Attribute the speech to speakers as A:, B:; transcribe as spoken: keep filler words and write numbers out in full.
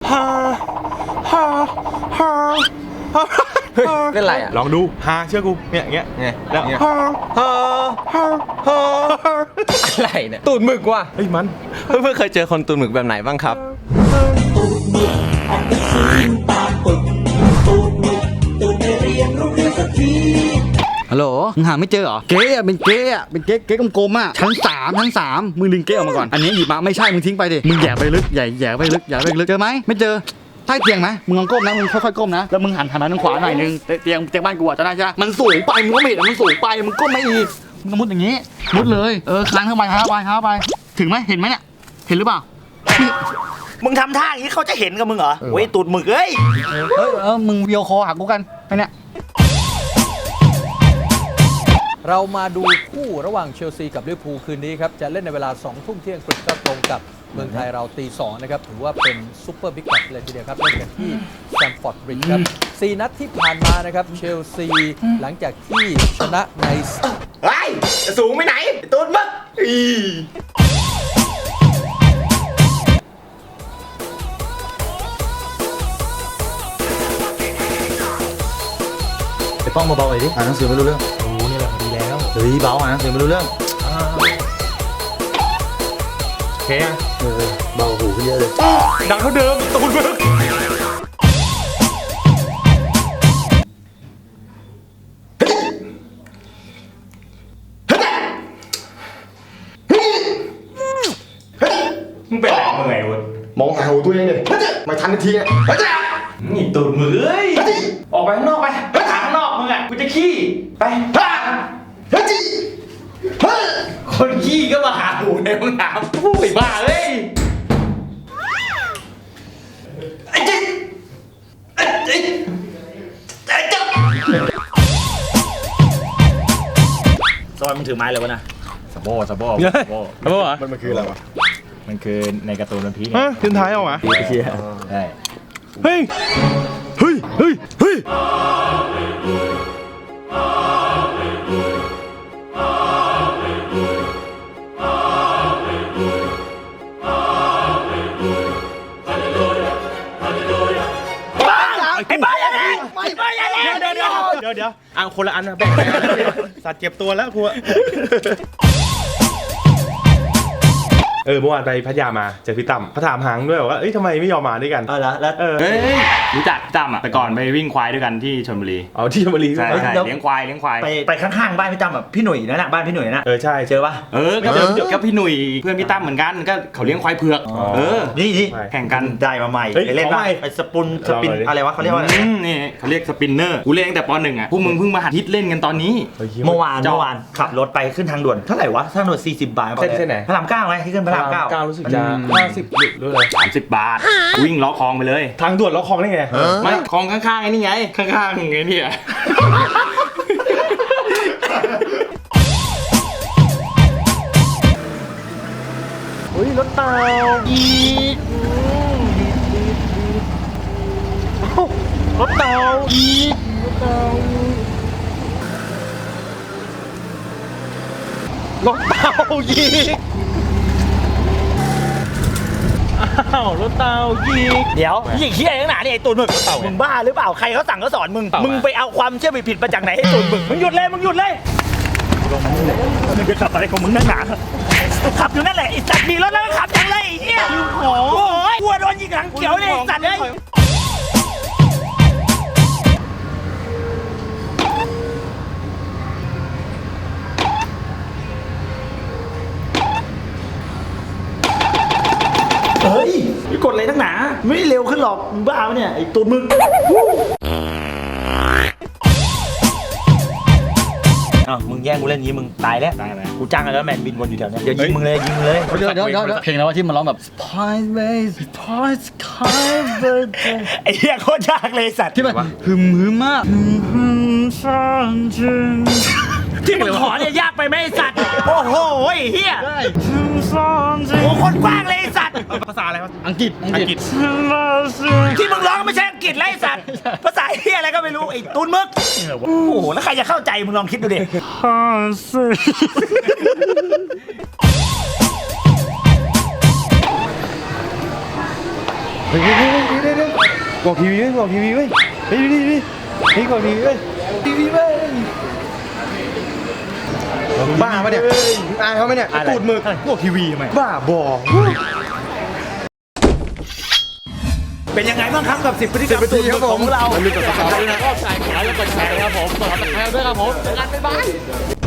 A: ฮ่าฮ่าฮ่า
B: เฮ้ยเป็นไรอ่ะ
A: ลองดูฮาเชื่อกูเนี่ยอย่างเงี้ยเนี่ยแล้ว
B: ฮ่า
A: ฮ่าฮ่าฮ่าฮ่า
B: อะไรเนี่ยตูดหมึกว่ะ
A: เฮ้ยมัน
B: เพื่อนเพื่อนเคยเจอคนตูดหมึกแบบไหนบ้างครับ
C: ตูดหมึกออกไปซื้อตามปึกตูดหมึกตูดไม่เรียนโรงเรียนสักที
D: ฮัลโหลมึงหาไม่เจอเหรอเก๊อะเป็นเก๊อะเป็นเก๊เก๊กลมๆอ่ะชั้นสามชั้นสามมึงดึงเก๊ออกมาก่อนอันนี้หยิบมาไม่ใช่มึงทิ้งไปดิมึงแย่ไปลึกใหญ่แย่ไปลึกแย่ไปลึกเจอไหมไม่เจอใต้เตียงไหมมึงลองก้มนะมึงค่อยๆก้มนะแล้วมึงหันหันมาทางขวาหน่อยนึงเตียงเตียงบ้านกูอ่ะจะได้ใช่ไหมมันสูงไปมึงก็ไม่เห็นมันสูงไปมึงก้มไม่อีกมึงมุดอย่างงี้มุดเลยเออคลานเข้าไปเข้าไปเข้าไปถึงไหมเห็นไหมเนี่ยเห็นหรือเปล่า
E: มึงทำท่าอย่างนี้เขาจะเห็นกับมึงเหรอเว้ยตูดหมึกเอ้ย
D: เออเออมึงวิดีโอคอลหากูกันไปเนี่ย
F: เรามาดูคู่ระหว่างเชลซีกับลิเวอร์พูลคืนนี้ครับจะเล่นในเวลาสองทุ่มเที่ยงครึ่งก็ตรงกับเมืองไทยเราตีสองนะครับถือว่าเป็นซุปเปอร์บิ๊กแมตช์เลยทีเดียวครับเล่นกันที่สแตมฟอร์ดบริดจ์ครับสี่นัดที่ผ่านมานะครับเชลซีหลังจากที่ชนะใน
E: เฮ้ยจะสูงไปไหนตูดหมึกอี
G: ไอ้ป้องเบาๆหน่อยดิอ่านหนังสือไม่รู้เรื่องโอ้นี่แหละดีแล้วเฮ้ยเบาอ่านหนังสือไม่รู้เรื่อง
A: โอเคอ่ะ
G: เออเบาหูขึ้นเยอะเลย
A: ดังเท่าเดิมตูดมึกมึงเป็นอะไรมึงไงวะ
G: มองหาหูตัวเองเลยไม่ทันนาทีอ่ะ
A: นี่ตูดมือเอ้ยออกไปข้างนอกไปไปถามข้างนอกมึงอ่ะกูจะขี้ไปคนขี้ก็มาหาหูในห้องน้ำผู้บ้าเลยไอ้จิ๊ไอ้จิ๊ไอ้จิ๊
E: ซอยมึงถือไม้เลยวะนะ
G: สะโบ้สะโบ้
A: สะโบ้สะโบ้เหรอ
G: มันมันคืออะไรวะมันคือในการ์ตูนวันพีช
A: ฮะขึ้นท้ายเอาวะ
G: เชี่ยใช่
A: เฮ้ยเฮ้ยเฮ้ยเฮ้ย
E: ไอ้บ้าอย่างนี้ไอ้บ้าอย่างนี้
A: เดี๋ยวเดี๋ยวเดี๋ยวเดี๋ยวเอาคนละอันนะแบ่งสัตว์เจ็บตัวแล้วครูเออเมื่อวานไปพัทยามาเจอพี่ตั้มเขาถามหางด้วยว่าเอ้ยทำไมไม่ยอมมาด้วยกัน
G: อ๋อแล้วแล้ว
A: เออ
H: รู้จักพี่ตั้มอ่ะแต่ก่อนไปวิ่งควายด้วยกันที่ชลบุรี
A: อ๋อที่ชลบุรี
H: ใช่ใช่เลี้ยงควายเลี้ยงควาย
E: ไปไปข้างๆบ้านพี่ตั้มแบบพี่หนุ่ยนั่นแหละบ้านพี่หนุ่ยนะ
A: เออใช่
E: เจอปะ
H: เออก็ก็พี่หนุ่ยเพื่อนพี่ตั้มเหมือนกันก็เขาเลี้ยงควายเผือกเออ
E: นี่นี่
H: แข่งกัน
E: ได้มาใหม่ไปเล่นได้ไอ้สปุนสปินอะไรวะเขาเรียกว่าอะไร
H: นี่เขาเรียกสปินเนอร์กูเล่นตั้งแต่ป.หนึ่งอ่ะพวกมึงเพิ่งมาหัดฮิตเล่นกันตอนนี้
E: เมื่อวานเมื่อวานขับรถไปขึ้นทางด่วนเท่าไหร่วะทางด่วนสี่สิบบาท
A: เส้นไหน
E: พระรามเก้าไงที่ขึ้นพระรามเก้า
A: เก้ารู้สึกจะห้าสิบหรืออะไร
H: สามสิบบาทวิ่งล้อคลองไปเลย
A: ทางด่วนล้อคลองได้ไง
H: ไม่คลองข้างๆไอ้นี่ไงข้างๆไงเนี่ย
A: เฮ้ยรถเต่าอีกรถเต่าอีกรถเต่ารถเต่าอีกอ้าวรถเต่ายิง
E: เดี๋ยวยิงเฮี้ยยังหนาเนี่ยไอ้ตูนมึงมึงบ้าหรือเปล่าใครเขาสั่งเขาสอนมึงมึงไปเอาความเชื่อผิดมาจากไหนให้ตูนมึงมึงหยุดเลยมึงหยุดเลยมึงจะขับอะไรของมึงนั่งหนาขับอยู่นั่นแหละไอ้สัตว์มีรถแล้วก็ขับอย่างไรไอ้เหี้ยโอ้ยกลัวโดนยิงหลังเขียวเลยสัตว์เลยเฮ้ยไม่กดอะไรทั้งหนาไม่เร็วขึ้นหรอกมึงบ้าปะเนี่ยไอ้ตูนมึงอ้าวมึงแย่งกูเล่นงี้มึงตายแล้วตายแล้วกูจ้างแล้วแมนบินวนอยู่แถวนี้เดี๋ยวยิงมึงเลยยิงมึงเลย
D: เดี๋ยวเดี๋ยวเดี๋ยวเพลงแล้วที่มันร้องแบบ Spice Ways Spice Cover
E: ไอ้เหี้ยโคตรยากเลยสัตว์
D: ที่มันหึมหึมมากหึมหึมฟังจริง
E: ที่มึงขอเนี่ยยากไปไหมไอ้สัตว์โอ้โหไอ้เหี้ยหึมฟังจริงโอ้คนกว้างเลยไอ้สัตว์
A: ภาษาอะไรวะ
D: อังกฤษอังกฤษ
E: ที่มึงร้องไม่ใช่อังกฤษไรไอ้สัตว์ภาษาเหี้ยอะไรก็ไม่รู้ไอ้ตูนมึกโอ้โหแล้วใครจะเข้าใจมึงลองคิดดูดิ
D: เฮ้ยเฮ้ยเฮ้ย
G: บอกทีวีเว้ยบอกทีวีเว้ยเฮ้ยนี่นี่นี่บอกทีวีเว้ยทีวีเว้ยบ้าปะเนี่ยอายเขาไหมเนี่ยตูดหมึกบอกทีวีทำไมบ้าบอ
E: เป็นยังไงบ้างครับกับสิบพฤติกรรมตูดหมึกของเรา
G: มันมีกฎกติกาด้วยนะ
E: ก็ใส่ขายแล้วก็แชร์ครับผมกดติดตามด้วยครับผมงานบ๊ายบาย